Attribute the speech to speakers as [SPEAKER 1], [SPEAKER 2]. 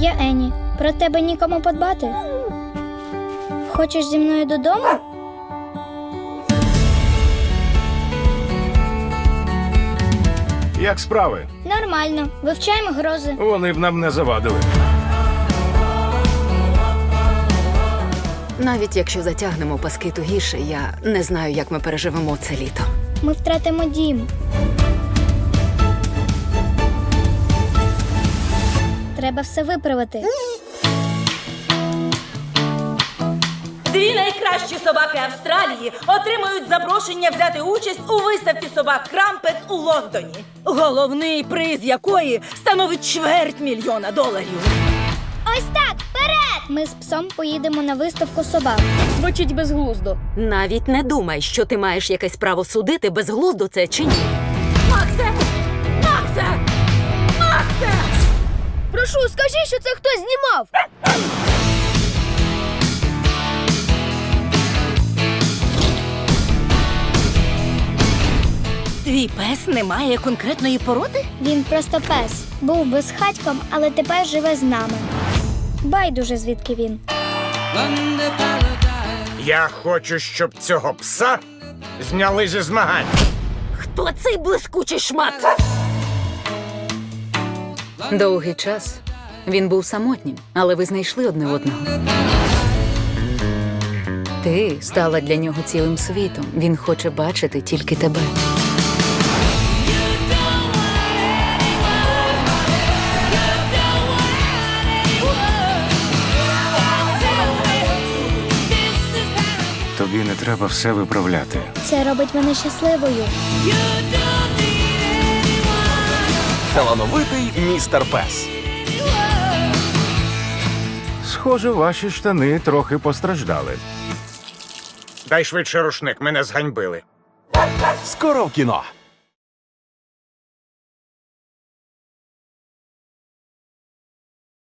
[SPEAKER 1] Я Ені. Про тебе нікому подбати. Хочеш зі мною додому?
[SPEAKER 2] Як справи?
[SPEAKER 1] Нормально. Вивчаємо грози.
[SPEAKER 2] Вони б нам не завадили.
[SPEAKER 3] Навіть якщо затягнемо паски тугіше, я не знаю, як ми переживемо це літо.
[SPEAKER 1] Ми втратимо дім. Треба все виправити.
[SPEAKER 4] Дві найкращі собаки Австралії отримують запрошення взяти участь у виставці собак Крампет у Лондоні. Головний приз якої становить $250,000.
[SPEAKER 1] Ось так, вперед! Ми з псом поїдемо на виставку собак.
[SPEAKER 4] Звучить безглуздо.
[SPEAKER 3] Навіть не думай, що ти маєш якесь право судити, безглуздо це чи ні.
[SPEAKER 4] Максе! Максе! Максе!
[SPEAKER 1] Прошу, скажи, що це хтось знімав!
[SPEAKER 4] Твій пес не має конкретної породи?
[SPEAKER 1] Він просто пес. Був безхатьком, але тепер живе з нами. Байдуже, звідки він.
[SPEAKER 5] Я хочу, щоб цього пса зняли зі змагань.
[SPEAKER 4] Хто цей блискучий шмат?
[SPEAKER 3] Довгий час він був самотнім, але ви знайшли одне одного. Ти стала для нього цілим світом. Він хоче бачити тільки тебе.
[SPEAKER 2] Тобі не треба все виправляти.
[SPEAKER 1] Це робить мене щасливою.
[SPEAKER 6] Талановитий містер Пес.
[SPEAKER 2] Схоже, ваші штани трохи постраждали.
[SPEAKER 5] Дай швидше рушник, мене зганьбили.
[SPEAKER 6] Скоро в кіно.